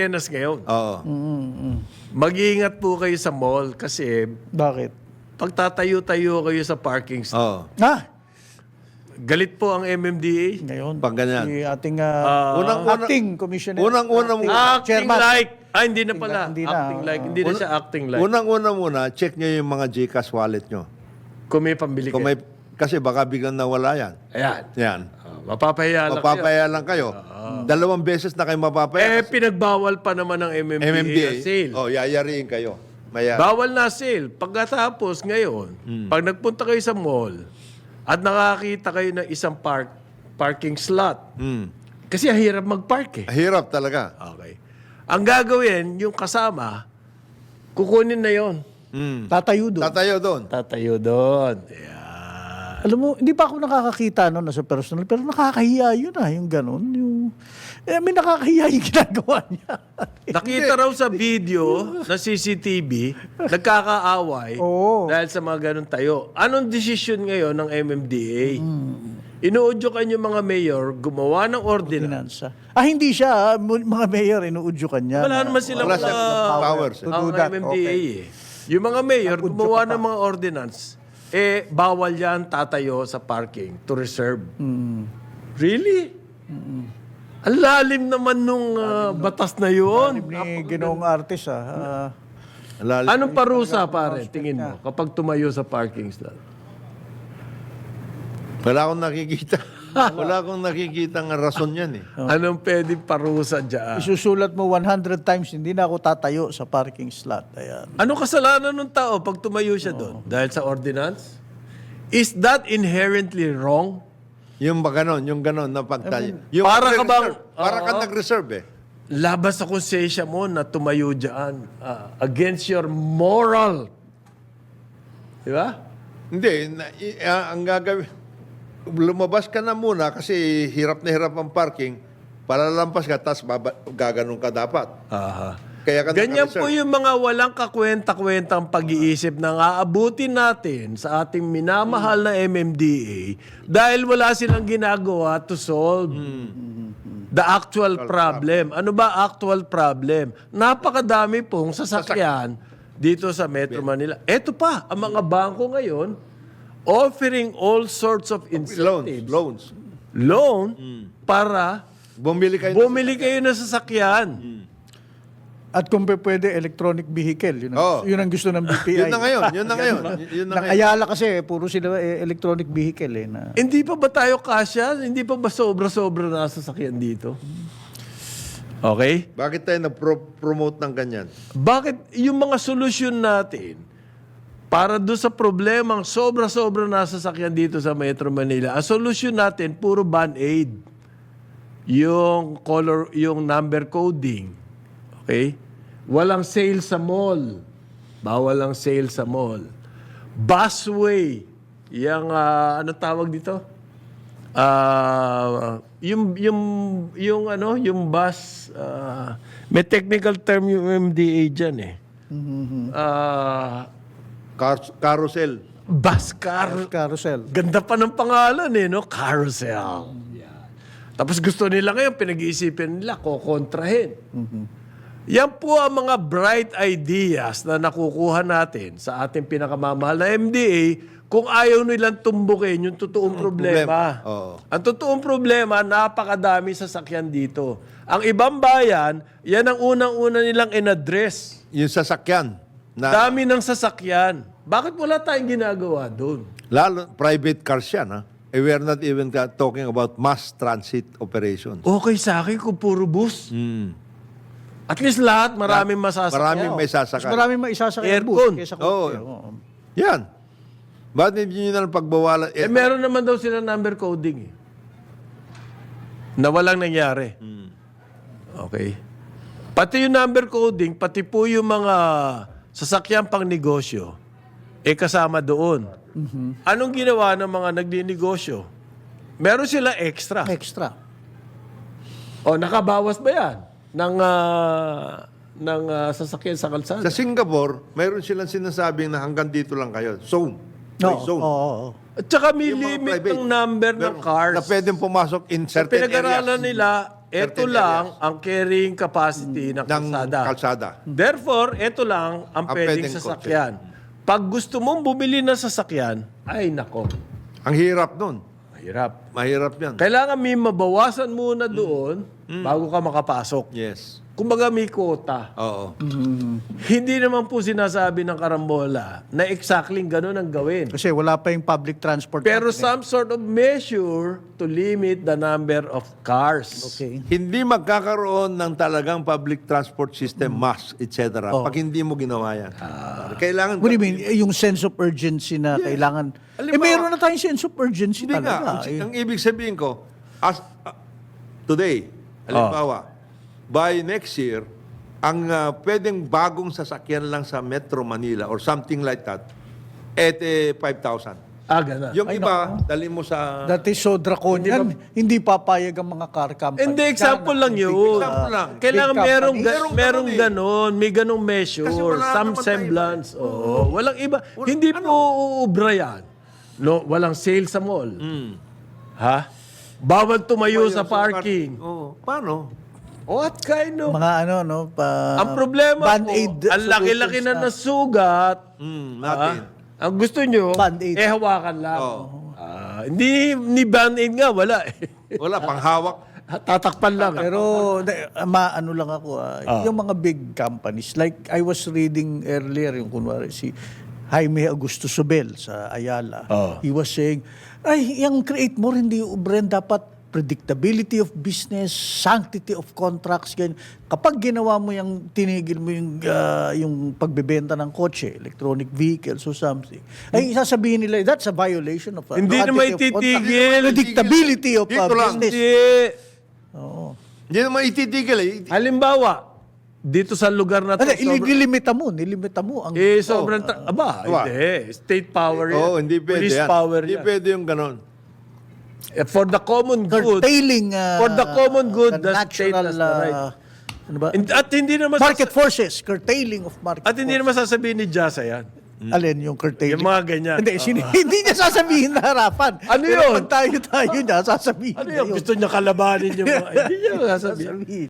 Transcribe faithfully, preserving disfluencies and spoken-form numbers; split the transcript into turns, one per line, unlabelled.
eksyenas ngayon.
Oo.
Mag-iingat po kayo sa mall kasi
Bakit?
pag tatayo-tayo kayo sa parking slot,
Oo.
Ah,
galit po ang M M D A.
ngayon.
Pag ganyan.
Si ating ah,
Unang-unang-
acting commissioner.
Unang-unang
Acting
Chairman.
like. Ah, hindi na pala.
Hindi na,
acting
oo.
like. Hindi na siya acting like.
Unang-una muna, check nyo yung mga GCash wallet nyo.
Kung may pambili
Kung
kayo.
may, kasi baka biglang nawala yan.
Ayan.
Yan.
Ah, mapapahiya lang kayo.
Mapapaya lang kayo. Dalawang beses na kayo mapapaya.
Eh, pinagbawal pa naman ng M M D A,
M M D A.
ang sale.
Oh, yayariin kayo. Maya.
Bawal na sale. Pagkatapos ngayon, pag nagpunta kayo sa mall at nakakita kayo ng isang park parking slot,
Mm.
kasi ang hirap mag-park eh.
Hirap talaga.
Okay. Ang gagawin, yung kasama, kukunin na yon.
Mm.
Tatayo doon.
Tatayo doon.
Tatayo doon. Ayan.
Alam mo, hindi pa ako nakakakita no, sa personal, pero nakakahiya yun ah, yung ganun. Yung, eh, may nakakahiya yung ginagawa niya.
Nakita raw sa video na C C T V, nagkakaaway
Oo.
dahil sa mga ganun tayo. Anong desisyon ngayon ng M M D A? Inuudyokan yung mga mayor gumawa ng ordinance.
Finansa. Ah, hindi siya. ah. Mu- Mga mayor, inuudyokan niya.
Wala
na-
naman silang
Wala siyang
uh,
powers.
To
ang
do that,
M M D A
okay.
eh. Yung mga mayor, gumawa ng mga ordinance, eh, bawal yan tatayo sa parking to reserve. Really? Ang lalim naman nung uh, batas na yun.
Ni Ginoong Artis ah. Ah,
Lalo-
Anong parusa, pare, tingin mo, kapag tumayo sa parking slot?
Wala akong nakikita. Wala akong nakikita ng rason yan eh.
Anong pwedeng parusa dyan?
isusulat mo one hundred times, hindi na ako tatayo sa parking slot. Ayan.
Anong kasalanan ng tao pag tumayo siya doon? Dahil sa ordinance? Is that inherently wrong?
Yung ba ganon, yung ganon na pagtayo. Yung
Para ka bang-
nag-reserve. Para ka
Oo.
nag-reserve eh.
Labas sa konsensya mo na tumayo dyan ah, against your moral. Di ba?
Hindi, na, i- ah, ang gagawin, lumabas ka na muna kasi hirap na hirap ang parking. Para lampas ka, tapos baba- gaganon ka dapat.
Aha.
Kaya ka
Ganyan
naka-reserve.
po yung mga walang kakwenta-kwentang pag-iisip na aabutin natin sa ating minamahal na M M D A dahil wala silang ginagawa to solve the actual problem. Ano ba actual problem? Napakadami pong sasakyan dito sa Metro Manila. Eto pa, ang mga bangko ngayon offering all sorts of
Loans,
incentives.
loans.
Loan para
Bumili kayo.
bumili kayo ng sasakyan.
At kung pe- pwede, electronic vehicle. Yun ang,
Oo.
yun ang gusto ng B P I.
Yun na ngayon, yun na ngayon. Yun na
Ng
ngayon.
Ayala kasi, puro sila eh, electronic vehicle eh. Na,
Hindi pa ba tayo kasya? Hindi pa ba sobra-sobra na sasakyan dito? Okay?
Bakit tayo nag-promote ng ganyan?
Bakit yung mga solusyon natin para doon sa problemang sobra-sobra na sasakyan dito sa Metro Manila, ang solusyon natin puro band-aid. Yung color, yung number coding. Okay? Walang sale sa mall. Bawal ang sale sa mall. Busway. Yang, ah, ano tawag dito? Ah, yung, yung, yung, ano, yung bus, ah, may technical term yung M D A dyan eh. Ah,
Car- carousel.
bus car.
carousel.
Ganda pa ng pangalan eh, no? Carousel. Yan. Tapos gusto nila ngayon, pinag-iisipin nila, kukontrahin. Yan po ang mga bright ideas na nakukuha natin sa ating pinakamamahal na M D A kung ayaw nilang tumbukin yung totoong problema.
problema. Oo.
Ang totoong problema, napakadami sasakyan dito. Ang ibang bayan, yan ang unang-una nilang in-address.
Yung sasakyan. Na,
Dami ng sasakyan. Bakit wala tayong ginagawa doon?
lalo, private cars yan. Ha? Eh, we are not even ka- talking about mass transit operations.
Okay sa akin kung puro bus.
Mm.
At least lahat, maraming masasakyan.
Maraming may
Mas
sasakay.
maraming maisasakay ang
Aircon.
bus kaysa
Oo.
kotse. Oo.
Yan. Bakit hindi nyo na lang pagbawalan?
Eh, meron naman daw sila number coding eh. Na walang nangyari. Okay. Pati yung number coding, pati po yung mga sasakyan pang negosyo, eh kasama doon. Anong ginawa ng mga nagdi-negosyo? Meron sila extra.
Extra.
O, nakabawas ba yan? Ng, ah, ng ah, sasakyan sa kalsada?
Sa Singapore, mayroon silang sinasabing na hanggang dito lang kayo. Zone.
No,
May zone.
oo, oo.
At saka may
Yung mga
limit
private,
ng number ng
meron-
cars.
Na pwedeng pumasok in
Sa
certain
pinag-aralan
areas.
nila, ito
certain
lang ang carrying capacity ng
ng
kalsada.
kalsada.
Therefore, ito lang ang
Ang
pwedeng
pwedeng
sasakyan. Pag gusto mong bumili ng sasakyan, ay nako,
Ang hirap nun.
mahirap.
Mahirap yan.
Kailangan may mabawasan muna doon bago ka makapasok.
Yes.
Kumbaga may quota.
Oo.
Hindi naman po sinasabi ng karambola na exactly ganun ang gawin.
Kasi wala pa yung public transport.
Pero
company.
some sort of measure to limit the number of cars.
Okay.
Hindi magkakaroon ng talagang public transport system, mass, et cetera. Pag hindi mo ginawa yan. Kailangan...
What do you mean? Eh, Yung sense of urgency na kailangan... eh,
Halimbawa-
meron na tayong sense of urgency
Hindi nga.
talaga.
Ang,
Eh,
ang ibig sabihin ko, as, uh, today, halimbawa, by next year, ang uh, pwedeng bagong sasakyan lang sa Metro Manila or something like that, at eh, five thousand.
Ah, ganun.
Yung iba, dali mo sa...
That is so draconian. Hindi, papayag ang mga car company.
Hindi, example lang yun.
Example lang.
Kailangan
Big
merong,
companies.
ga-
Merong
merong
ganun eh.
ganon, may ganong measure,
Kasi wala
some
naman tayo
semblance. Oo, walang iba. Hindi po uubra yan. No, walang sale sa mall. Ha? Bawal tumayo sa parking.
Oo. Paano?
What kind of...
Mga ano, no? Pa,
ang problema
Band-Aid
po, ang laki-laki na nasugat.
Hmm, natin.
Ah, ang gusto nyo,
Band-Aid.
eh hawakan lang.
Oo.
Ah, hindi, ni band-aid nga, wala eh.
Wala, panghawak.
Tatakpan lang.
Pero de- ma ano lang ako, ah, yung mga big companies, like I was reading earlier, yung kunwari si Jaime Augusto Sobel sa Ayala.
Oh.
He was saying, ay, yung create more, hindi ubren, dapat predictability of business, sanctity of contracts, ganyan. Kapag ginawa mo yung, tinigil mo yung, ah, yung pagbebenta ng kotse, electronic vehicles or something, ay sasabihin nila, that's a violation of uh,
Hindi
sanctity
naman
of contract.
ititigil.
Predictability of uh,
Dito lang.
business.
Hindi.
Oo.
Hindi naman ititigil eh.
Halimbawa, dito sa lugar na to,
Ano,
sobrang-
nilimita mo, nilimita mo ang
eh, sobrang, tra- aba,
Aba.
hindi. State power yan.
Oo, hindi pwede
Police
yan.
power
Hindi
yan.
pwede yung ganon.
Eh, For the common good,
curtailing uh,
For the common good, the state
natural,
has the right.
uh, ano ba?
Hin- at hindi naman
Market
sasa-
forces, curtailing of market
at hindi
forces.
naman sasabihin ni Jasa yan.
Alin yung curtailing?
Yung mga ganyan.
Hindi, sin- hindi niya sasabihin na harapan.
Ano
Pero
yun?
pag tayo-tayo niya, sasabihin
Ano
niya
yun?
yun.
Gusto niya kalabanin yung mga... hindi niya sasabihin.
Sasabihin.